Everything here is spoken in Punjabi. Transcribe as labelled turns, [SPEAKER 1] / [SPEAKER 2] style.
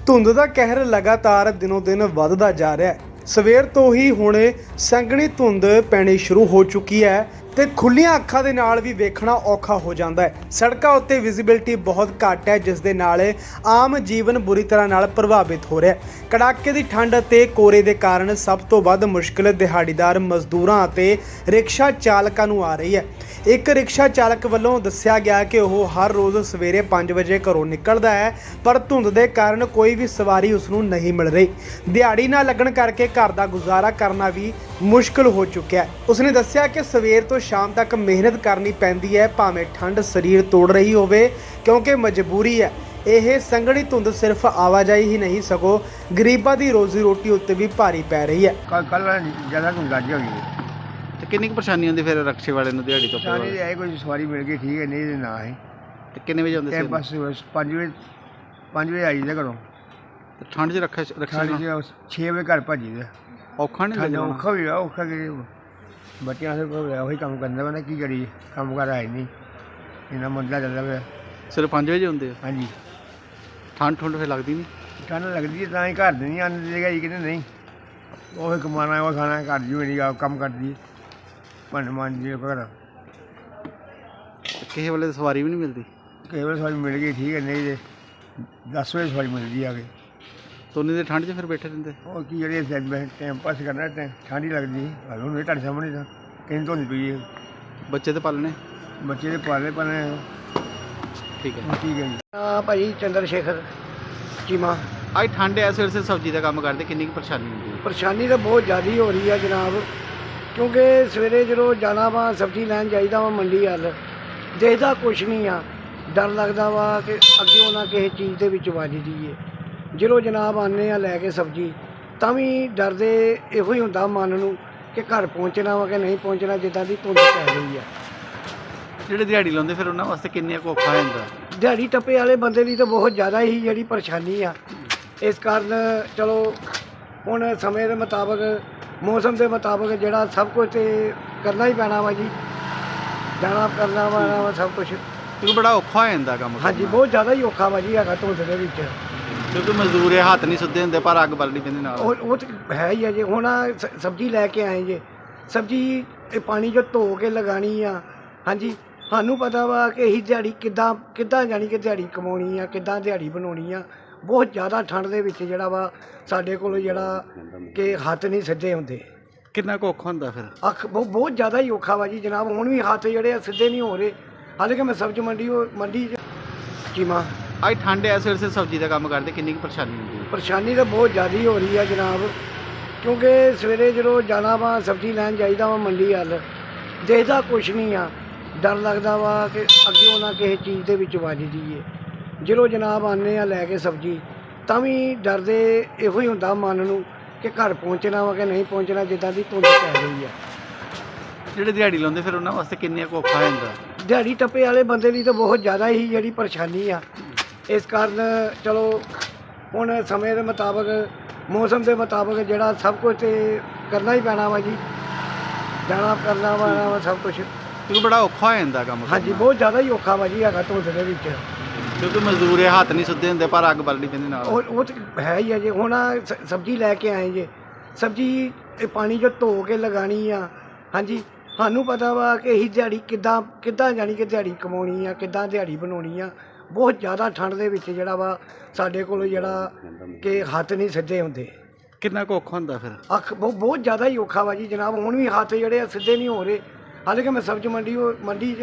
[SPEAKER 1] ਧੁੰਦ ਦਾ ਕਹਿਰ ਲਗਾਤਾਰ ਦਿਨੋਂ ਦਿਨ ਵੱਧਦਾ ਜਾ ਰਿਹਾ ਹੈ। ਸਵੇਰ ਤੋਂ ਹੀ ਹੁਣ ਸੰਘਣੀ ਧੁੰਦ ਪੈਣੀ ਸ਼ੁਰੂ ਹੋ ਚੁੱਕੀ ਹੈ ਤੇ ਖੁੱਲੀਆਂ ਅੱਖਾਂ ਦੇ ਨਾਲ ਵੀ ਵੇਖਣਾ ਔਖਾ ਹੋ ਜਾਂਦਾ ਹੈ। ਸੜਕਾਂ ਉੱਤੇ ਵਿਜ਼ਿਬਿਲਟੀ ਬਹੁਤ ਘੱਟ ਹੈ, ਜਿਸ ਦੇ ਨਾਲ ਆਮ ਜੀਵਨ ਬੁਰੀ ਤਰ੍ਹਾਂ ਨਾਲ ਪ੍ਰਭਾਵਿਤ ਹੋ ਰਿਹਾ ਹੈ। ਕੜਾਕੇ ਦੀ ਠੰਡ ਅਤੇ ਕੋਰੇ ਦੇ ਕਾਰਨ ਸਭ ਤੋਂ ਵੱਧ ਮੁਸ਼ਕਿਲ ਦਿਹਾੜੀਦਾਰ ਮਜ਼ਦੂਰਾਂ ਅਤੇ ਰਿਕਸ਼ਾ ਚਾਲਕਾਂ ਨੂੰ ਆ ਰਹੀ ਹੈ। ਇੱਕ ਰਿਕਸ਼ਾ ਚਾਲਕ ਵੱਲੋਂ ਦੱਸਿਆ ਗਿਆ ਕਿ ਉਹ ਹਰ ਰੋਜ਼ ਸਵੇਰੇ 5 ਵਜੇ ਘਰੋਂ ਨਿਕਲਦਾ ਹੈ, ਪਰ ਧੁੰਦ ਦੇ ਕਾਰਨ ਕੋਈ ਵੀ ਸਵਾਰੀ ਉਸ ਨੂੰ ਨਹੀਂ ਮਿਲ ਰਹੀ। ਦਿਹਾੜੀ ਨਾ ਲੱਗਣ ਕਰਕੇ ਘਰ ਦਾ ਗੁਜ਼ਾਰਾ ਕਰਨਾ ਵੀ ਮੁਸ਼ਕਿਲ ਹੋ ਚੁੱਕਿਆ ਹੈ। ਉਸਨੇ ਦੱਸਿਆ ਕਿ ਸਵੇਰ ਤੋਂ ਸ਼ਾਮ ਤੱਕ ਮਿਹਨਤ ਕਰਨੀ ਪੈਂਦੀ ਹੈ, ਭਾਵੇਂ ਠੰਡ ਸਰੀਰ ਤੋੜ ਰਹੀ ਹੋਵੇ, ਕਿਉਂਕਿ ਮਜਬੂਰੀ ਹੈ। ਇਹ ਸੰਘਣੀ ਧੁੰਦ ਸਿਰਫ ਆਵਾਜਾਈ ਹੀ ਨਹੀਂ, ਸਗੋਂ ਗਰੀਬਾਂ ਦੀ ਰੋਜ਼ੀ ਰੋਟੀ ਉੱਤੇ ਵੀ ਭਾਰੀ ਪੈ ਰਹੀ ਹੈ।
[SPEAKER 2] ਕੱਲ ਜ਼ਿਆਦਾ ਧੁੰਦ ਲੱਗ ਹੋਈ ਹੈ
[SPEAKER 3] ਤੇ ਕਿੰਨੀ ਕੁ ਪਰੇਸ਼ਾਨੀ ਹੁੰਦੀ ਫਿਰ ਰਕਸ਼ੇ ਵਾਲੇ ਨੂੰ ਦਿਹਾੜੀ ਤੋਂ
[SPEAKER 2] ਸਾਰੀ ਇਹ ਕੋਈ ਸਵਾਰੀ ਮਿਲ ਗਈ ਠੀਕ ਹੈ, ਨਹੀਂ ਤੇ ਨਾ ਹੈ।
[SPEAKER 3] ਤੇ ਕਿੰਨੇ ਵਜੇ ਆਉਂਦੇ
[SPEAKER 2] ਤੇ
[SPEAKER 3] ਸੀ
[SPEAKER 2] ਬਸ 5 ਵਜੇ ਆਈ ਦਾ ਘਰੋਂ।
[SPEAKER 3] ਤੇ ਠੰਡ 'ਚ ਰਕਸ਼ਾ
[SPEAKER 2] ਸਾਡੀ 6 ਵਜੇ ਘਰ ਭੱਜੀ ਦਾ।
[SPEAKER 3] ਔਖਾ ਨਹੀਂ
[SPEAKER 2] ਠੰਡ
[SPEAKER 3] ਲੱਗਦਾ?
[SPEAKER 2] ਔਖਾ ਵੀ ਆ, ਔਖਾ ਕਿ ਬੱਚਿਆਂ ਦੇ ਕੋਲ ਉਹੀ ਕੰਮ ਕਰਨਾ ਵਾ, ਕੀ ਕਰੀਏ, ਕੰਮ ਕਰ ਆਏ ਨਹੀਂ, ਇੰਨਾ ਮੰਦਾ ਚੱਲਦਾ ਪਿਆ।
[SPEAKER 3] ਸਿਰਫ 5 ਵਜੇ ਹੁੰਦੇ ਆ?
[SPEAKER 2] ਹਾਂਜੀ,
[SPEAKER 3] ਠੰਡ ਫਿਰ ਲੱਗਦੀ ਨਹੀਂ?
[SPEAKER 2] ਠੰਡ ਲੱਗਦੀ ਹੈ ਤਾਂ ਹੀ ਘਰ ਦੇ ਨਹੀਂ ਆਉਂਦੇ ਦੇਗਾ ਜੀ, ਕਿਤੇ ਨਹੀਂ ਉਹ ਕਮਾਉਣਾ ਉਹ ਖਾਣਾ, ਘਰ ਜੀ ਮੇਰੀ ਆਪ ਕੰਮ ਕਰਦੀ ਭਾਂਡੇ ਮਾਂਜਦੀ ਘਰ।
[SPEAKER 3] ਕਿਸੇ ਵੇਲੇ ਤਾਂ ਸਵਾਰੀ ਵੀ ਨਹੀਂ ਮਿਲਦੀ?
[SPEAKER 2] ਕਈ ਵਾਰ ਸਵਾਰੀ ਮਿਲ ਗਈ ਠੀਕ ਹੈ, ਨਹੀਂ ਤੇ 10 ਵਜੇ ਸਵਾਰੀ ਮਿਲਦੀ ਆ ਕੇ।
[SPEAKER 3] ਤੋਨੀ ਦੇ ਠੰਡ 'ਚ ਫਿਰ ਬੈਠੇ ਰਹਿੰਦੇ?
[SPEAKER 2] ਉਹ ਕੀ ਜਿਹੜੇ ਟਾਈਮ ਪਾਸ ਕਰਨਾ, ਠੰਡ ਹੀ ਲੱਗਦੀ ਹੁਣ ਵੀ ਤੁਹਾਡੇ ਸਾਹਮਣੇ ਤਾਂ ਕਿੰਨੀ ਧੁੰਦ ਪਈ ਹੈ।
[SPEAKER 3] ਬੱਚੇ ਤੇ ਪਾਲਣੇ?
[SPEAKER 2] ਬੱਚੇ ਦੇ ਪਾਲੇ ਪਾਲੇ
[SPEAKER 3] ਠੀਕ ਹੈ।
[SPEAKER 2] ਠੀਕ ਹੈ ਜੀ। ਭਾਜੀ ਚੰਦਰ ਸ਼ੇਖਰ ਚੀਮਾ।
[SPEAKER 3] ਅੱਜ ਠੰਡ ਐ, ਸਵੇਰ ਸੇ ਸਬਜ਼ੀ ਦਾ ਕੰਮ ਕਰਦੇ, ਕਿੰਨੀ ਕੁ ਪਰੇਸ਼ਾਨੀ ਹੁੰਦੀ ਹੈ?
[SPEAKER 4] ਪਰੇਸ਼ਾਨੀ ਤਾਂ ਬਹੁਤ ਜ਼ਿਆਦਾ ਹੋ ਰਹੀ ਆ ਜਨਾਬ, ਕਿਉਂਕਿ ਸਵੇਰੇ ਜਦੋਂ ਜਾਣਾ ਵਾ ਸਬਜ਼ੀ ਲੈਣ ਜਾਈਦਾ ਵਾ ਮੰਡੀ ਵੱਲ, ਦੇਖਦਾ ਕੁਛ ਨਹੀਂ ਆ, ਡਰ ਲੱਗਦਾ ਵਾ ਕਿ ਅੱਗੇ ਨਾ ਕਿਸੇ ਚੀਜ਼ ਦੇ ਵਿੱਚ ਵੱਜ ਜਾਈਏ। ਜਦੋਂ ਜਨਾਬ ਆਉਂਦੇ ਆ ਲੈ ਕੇ ਸਬਜ਼ੀ, ਤਾਂ ਵੀ ਡਰਦੇ ਇਹੋ ਹੀ ਹੁੰਦਾ ਮਨ ਨੂੰ ਕਿ ਘਰ ਪਹੁੰਚਣਾ ਵਾ ਕਿ ਨਹੀਂ ਪਹੁੰਚਣਾ, ਜਿੱਦਾਂ ਦੀ ਧੁੰਦ ਪੈ ਰਹੀ ਆ।
[SPEAKER 3] ਜਿਹੜੇ ਦਿਹਾੜੀ ਲਾਉਂਦੇ ਫਿਰ ਉਹਨਾਂ ਵਾਸਤੇ ਕਿੰਨੇ ਕੁ ਔਖਾ ਹੋ ਜਾਂਦਾ?
[SPEAKER 4] ਦਿਹਾੜੀ ਟੱਪੇ ਵਾਲੇ ਬੰਦੇ ਲਈ ਤਾਂ ਬਹੁਤ ਜ਼ਿਆਦਾ ਹੀ ਜਿਹੜੀ ਪਰੇਸ਼ਾਨੀ ਆ। ਇਸ ਕਾਰਨ ਚਲੋ ਹੁਣ ਸਮੇਂ ਦੇ ਮੁਤਾਬਕ, ਮੌਸਮ ਦੇ ਮੁਤਾਬਕ ਜਿਹੜਾ ਸਭ ਕੁਝ ਤੇ ਕਰਨਾ ਹੀ ਪੈਣਾ ਵਾ ਜੀ, ਜਾਣਾ ਕਰਨਾ ਵਾ ਸਭ ਕੁਝ।
[SPEAKER 3] ਕਿਉਂਕਿ ਬੜਾ ਔਖਾ ਹੋ ਜਾਂਦਾ ਕੰਮ।
[SPEAKER 4] ਹਾਂਜੀ, ਬਹੁਤ ਜ਼ਿਆਦਾ ਹੀ ਔਖਾ ਵਾ ਜੀ ਹੈਗਾ ਧੁੰਦ ਦੇ ਵਿੱਚ।
[SPEAKER 3] ਕਿਉਂਕਿ ਮਜ਼ਦੂਰ ਇਹ ਹੱਥ ਨਹੀਂ ਸੁੱਧੇ ਹੁੰਦੇ, ਪਰ ਅੱਗ ਬਲਣੀ ਪੈਂਦੀ ਨਾਲ।
[SPEAKER 4] ਉਹ ਤਾਂ ਹੈ ਹੀ ਆ ਜੀ। ਹੁਣ ਸਬਜ਼ੀ ਲੈ ਕੇ ਆਏ ਜੇ, ਸਬਜ਼ੀ ਇਹ ਪਾਣੀ 'ਚ ਧੋ ਕੇ ਲਗਾਉਣੀ ਆ। ਹਾਂਜੀ, ਸਾਨੂੰ ਪਤਾ ਵਾ ਕਿ ਇਹੀ ਦਿਹਾੜੀ ਕਿੱਦਾਂ ਜਾਣੀ ਕਿ ਦਿਹਾੜੀ ਕਮਾਉਣੀ ਆ, ਕਿੱਦਾਂ ਦਿਹਾੜੀ ਬਣਾਉਣੀ ਆ। ਬਹੁਤ ਜ਼ਿਆਦਾ ਠੰਡ ਦੇ ਵਿੱਚ ਜਿਹੜਾ ਵਾ ਸਾਡੇ ਕੋਲ ਜਿਹੜਾ ਕਿ ਹੱਥ ਨਹੀਂ ਸਿੱਧੇ ਹੁੰਦੇ।
[SPEAKER 3] ਕਿੰਨਾ ਕੁ ਔਖਾ ਹੁੰਦਾ ਫਿਰ?
[SPEAKER 4] ਬਹੁਤ ਜ਼ਿਆਦਾ ਹੀ ਔਖਾ ਵਾ ਜੀ ਜਨਾਬ। ਹੁਣ ਵੀ ਹੱਥ ਜਿਹੜੇ ਆ ਸਿੱਧੇ ਨਹੀਂ ਹੋ ਰਹੇ। ਹਾਲਾਂਕਿ ਮੈਂ ਸਬਜ਼ੀ ਮੰਡੀ ਚੀਮਾ।
[SPEAKER 3] ਅੱਜ ਠੰਡ ਐ, ਸਵੇਰ ਸੇ ਸਬਜ਼ੀ ਦਾ ਕੰਮ ਕਰਦੇ, ਕਿੰਨੀ ਕੁ ਪਰੇਸ਼ਾਨੀ ਹੁੰਦੀ ਹੈ?
[SPEAKER 4] ਪਰੇਸ਼ਾਨੀ ਤਾਂ ਬਹੁਤ ਜ਼ਿਆਦਾ ਹੀ ਹੋ ਰਹੀ ਆ ਜਨਾਬ, ਕਿਉਂਕਿ ਸਵੇਰੇ ਜਦੋਂ ਜਾਣਾ ਵਾ ਸਬਜ਼ੀ ਲੈਣ ਜਾਈਦਾ ਵਾ ਮੰਡੀ ਵੱਲ, ਦੇਖਦਾ ਕੁਛ ਨਹੀਂ ਆ, ਡਰ ਲੱਗਦਾ ਵਾ ਕਿ ਅੱਗੇ ਨਾ ਕਿਸੇ ਚੀਜ਼ ਦੇ ਵਿੱਚ ਵੱਜ ਜਾਈਏ। ਜਦੋਂ ਜਨਾਬ ਆਉਂਦੇ ਆ ਲੈ ਕੇ ਸਬਜ਼ੀ, ਤਾਂ ਵੀ ਡਰਦੇ ਇਹੋ ਹੀ ਹੁੰਦਾ ਮਨ ਨੂੰ ਕਿ ਘਰ ਪਹੁੰਚਣਾ ਵਾ ਕਿ ਨਹੀਂ ਪਹੁੰਚਣਾ, ਜਿੱਦਾਂ ਦੀ ਧੁੰਦ ਪੈ ਰਹੀ ਆ।
[SPEAKER 3] ਜਿਹੜੇ ਦਿਹਾੜੀ ਲਾਉਂਦੇ ਫਿਰ ਉਹਨਾਂ ਵਾਸਤੇ ਕਿੰਨੇ ਕੁ ਔਖਾ ਹੋ ਜਾਂਦਾ?
[SPEAKER 4] ਦਿਹਾੜੀ ਟੱਪੇ ਵਾਲੇ ਬੰਦੇ ਲਈ ਤਾਂ ਬਹੁਤ ਜ਼ਿਆਦਾ ਹੀ ਜਿਹੜੀ ਪਰੇਸ਼ਾਨੀ ਆ। ਇਸ ਕਾਰਨ ਚਲੋ ਹੁਣ ਸਮੇਂ ਦੇ ਮੁਤਾਬਕ, ਮੌਸਮ ਦੇ ਮੁਤਾਬਕ ਜਿਹੜਾ ਸਭ ਕੁਝ ਤੇ ਕਰਨਾ ਹੀ ਪੈਣਾ ਵਾ ਜੀ, ਜਾਣਾ ਕਰਨਾ ਵਾ ਸਭ ਕੁਝ।
[SPEAKER 3] ਕਿਉਂਕਿ ਬੜਾ ਔਖਾ ਹੋ ਜਾਂਦਾ ਕੰਮ।
[SPEAKER 4] ਹਾਂਜੀ, ਬਹੁਤ ਜ਼ਿਆਦਾ ਹੀ ਔਖਾ ਵਾ ਜੀ ਹੈਗਾ ਧੁੰਦ ਦੇ ਵਿੱਚ।
[SPEAKER 3] ਕਿਉਂਕਿ ਮਜ਼ਦੂਰ ਇਹ ਹੱਥ ਨਹੀਂ ਸੁੱਧੇ ਹੁੰਦੇ, ਪਰ ਅੱਗ ਬਲਣੀ ਪੈਂਦੀ ਨਾਲ।
[SPEAKER 4] ਉਹ ਤਾਂ ਹੈ ਹੀ ਆ ਜੀ। ਹੁਣ ਸਬਜ਼ੀ ਲੈ ਕੇ ਆਏ ਜੇ, ਸਬਜ਼ੀ ਇਹ ਪਾਣੀ 'ਚ ਧੋ ਕੇ ਲਗਾਉਣੀ ਆ। ਹਾਂਜੀ, ਸਾਨੂੰ ਪਤਾ ਵਾ ਕਿ ਇਹੀ ਦਿਹਾੜੀ ਕਿੱਦਾਂ ਜਾਣੀ ਕਿ ਦਿਹਾੜੀ ਕਮਾਉਣੀ ਆ, ਕਿੱਦਾਂ ਦਿਹਾੜੀ ਬਣਾਉਣੀ ਆ। ਬਹੁਤ ਜ਼ਿਆਦਾ ਠੰਡ ਦੇ ਵਿੱਚ ਜਿਹੜਾ ਵਾ ਸਾਡੇ ਕੋਲ ਜਿਹੜਾ ਕਿ ਹੱਥ ਨਹੀਂ ਸਿੱਧੇ ਹੁੰਦੇ।
[SPEAKER 3] ਕਿੰਨਾ ਕੁ ਔਖਾ ਹੁੰਦਾ ਫਿਰ?
[SPEAKER 4] ਬਹੁਤ ਜ਼ਿਆਦਾ ਹੀ ਔਖਾ ਵਾ ਜੀ ਜਨਾਬ। ਹੁਣ ਵੀ ਹੱਥ ਜਿਹੜੇ ਆ ਸਿੱਧੇ ਨਹੀਂ ਹੋ ਰਹੇ। ਹਾਲਾਂਕਿ ਮੈਂ ਸਬਜ਼ੀ ਮੰਡੀ